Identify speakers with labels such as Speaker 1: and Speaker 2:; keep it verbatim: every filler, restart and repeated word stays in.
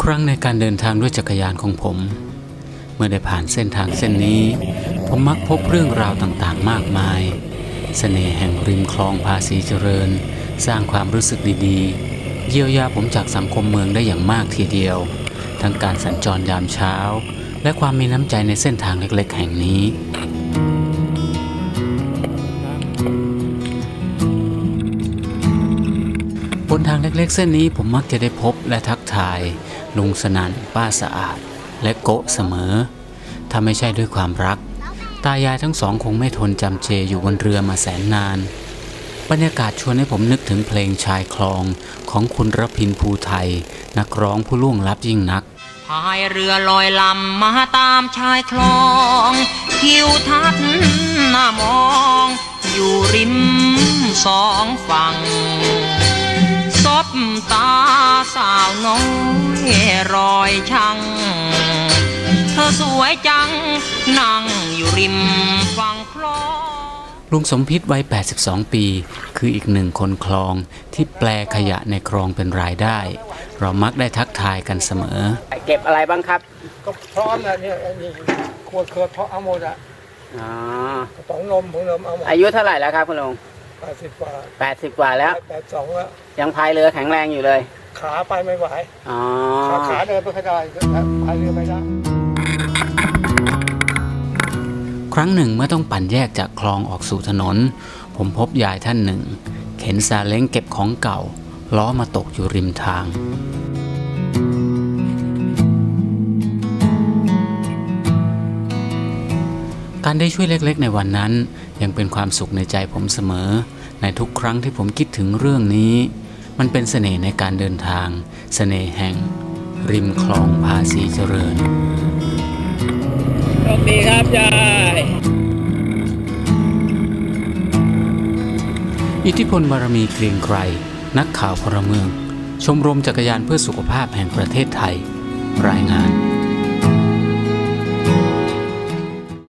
Speaker 1: ครั้งในการเดินทางด้วยจักรยานของผมเมื่อได้ผ่านเส้นทางเส้นนี้ผมมักพบเรื่องราวต่างๆมากมายเสน่ห์แห่งริมคลองภาษีเจริญสร้างความรู้สึกดีๆเยียวยาผมจากสังคมเมืองได้อย่างมากทีเดียวทั้งการสัญจรยามเช้าและความมีน้ำใจในเส้นทางเล็กๆแห่งนี้บนทางเล็กๆเส้นนี้ผมมักจะได้พบและทักทายลุงสนั่นป้าสะอาดและโกะเสมอถ้าไม่ใช่ด้วยความรักตายายทั้งสองคงไม่ทนจำเจอยู่บนเรือมาแสนนานบรรยากาศชวนให้ผมนึกถึงเพลงชายคลองของคุณรพินภูไทยนักร้องผู้ล่วงลับยิ่งนัก
Speaker 2: พายเรือลอยลำมาตามชายคลองทิวทัศน์น่ามองอยู่ริมสองฝั่งซบตาสาวน้อยรอยชังเธอสวยจังนั่งอยู่ริมฝั่งคลอง
Speaker 1: ลุงสมพิษวัยแปดสิบสองปีคืออีกหนึ่งคนคลองที่แปลขยะในคลองเป็นรายได้เรามักได้ทักทายกันเสมอ
Speaker 3: เก็บอะไรบ้างครับ
Speaker 4: ก็พร้อมนะเนี่ยนี่ขวดเคิร์ดเพราะเอาหมดอ่ะอ๋อสองนมของนมเอาหมด
Speaker 3: อายุเท่าไหร่แล้วครับคุณลุง
Speaker 4: แปดสิบกว่า
Speaker 3: แปดสิบกว่าแล้ว
Speaker 4: แปดสองแล้ว
Speaker 3: ยังพายเรือแข็งแรงอยู่เลย
Speaker 4: ขาไปไม่ไหว
Speaker 3: อ๋อ
Speaker 4: ขาขาเดินไม่ได้พายเรือไม่ได้
Speaker 1: ครั้งหนึ่งเมื่อต้องปั่นแยกจากคลองออกสู่ถนนผมพบยายท่านหนึ่งเข็นซาเล้งเก็บของเก่าล้อมาตกอยู่ริมทางการได้ช่วยเล็กๆในวันนั้นยังเป็นความสุขในใจผมเสมอในทุกครั้งที่ผมคิดถึงเรื่องนี้มันเป็นเสน่ห์ในการเดินทางเสน่ห์แห่งริมคลองภาษีเจริญ
Speaker 3: โชคดีครับยาย
Speaker 1: อิทธิพลบารมีเกรียงไกรนักข่าวพลเมืองชมรมจักรยานเพื่อสุขภาพแห่งประเทศไทยรายงาน